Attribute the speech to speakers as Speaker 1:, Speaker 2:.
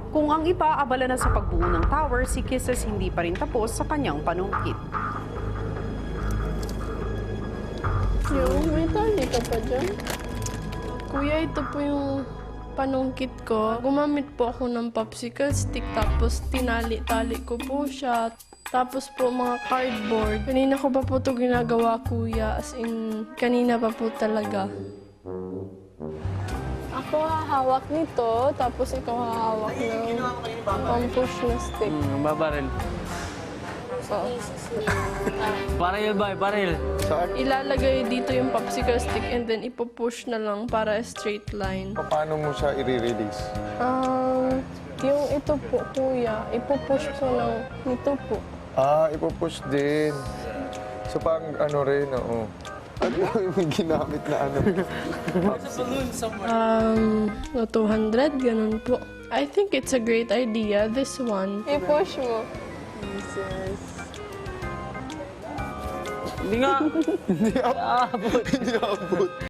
Speaker 1: Kung ang iba abala na sa pagbuo ng tower, si Kisses hindi pa rin tapos sa kanyang panungkit.
Speaker 2: May tali ka pa dyan? Kuya, ito po yung panungkit ko. Gumamit po ako ng popsicle stick tapos tinali-tali ko po siya. Tapos po mga cardboard. Kanina ko pa po ito ginagawa, kuya. As in, kanina pa po talaga. Ako hahawak nito, tapos ikaw hahawak ng pang-push na stick.
Speaker 3: Babaril. Baril ba? Baril.
Speaker 2: Ilalagay dito yung popsicle stick and then ipupush na lang para straight line.
Speaker 4: Paano mo siya i-release?
Speaker 2: Yung ito po, kuya, ipupush ko lang nito po.
Speaker 4: Ipupush din. So parang ano rin, oo. Ano yung ginamit na ano?
Speaker 2: 200, ganun po. I think it's a great idea, this one. I-push mo.
Speaker 3: Hindi nga.
Speaker 4: Hindi abot.